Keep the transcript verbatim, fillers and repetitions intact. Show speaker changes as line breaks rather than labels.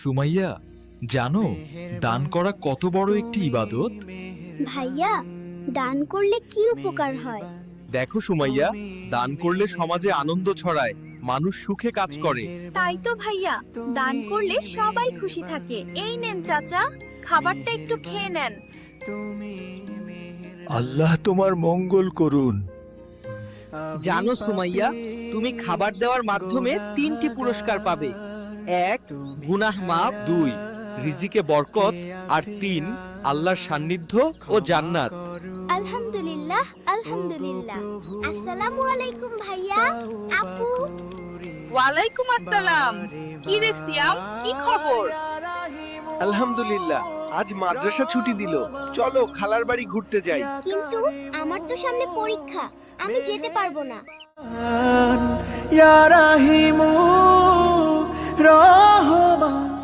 সুমাইয়া, জানো দান করা কত বড় একটি ইবাদত?
ভাইয়া, দান করলে কি উপকার হয়?
দেখো সুমাইয়া, দান করলে সমাজে আনন্দ ছড়ায়, মানুষ সুখে কাজ করে।
তাই তো ভাইয়া, দান করলে সবাই খুশি থাকে। এই নেন চাচা, খাবারটা একটু খেয়ে নেন।
আল্লাহ তোমার মঙ্গল করুন।
জানো সুমাইয়া, তুমি খাবার দেওয়ার মাধ্যমে তিনটি পুরস্কার পাবে। এক, গুনাহ মাফ।
দুই, রিজিকে বরকত। আর তিন, আল্লাহর সান্নিধ্য ও জান্নাত।
আলহামদুলিল্লাহ, আলহামদুলিল্লাহ। আসসালামু আলাইকুম ভাইয়া, আপু।
ওয়ালাইকুম আসসালাম। কি রে সিয়াম, কি খবর?
আলহামদুলিল্লাহ, আজ মাদ্রাসা ছুটি দিল, চলো খালার বাড়ি ঘুরতে যাই।
কিন্তু আমার তো সামনে পরীক্ষা, আমি যেতে পারবো না।
ইয়া রাহিমু রহমান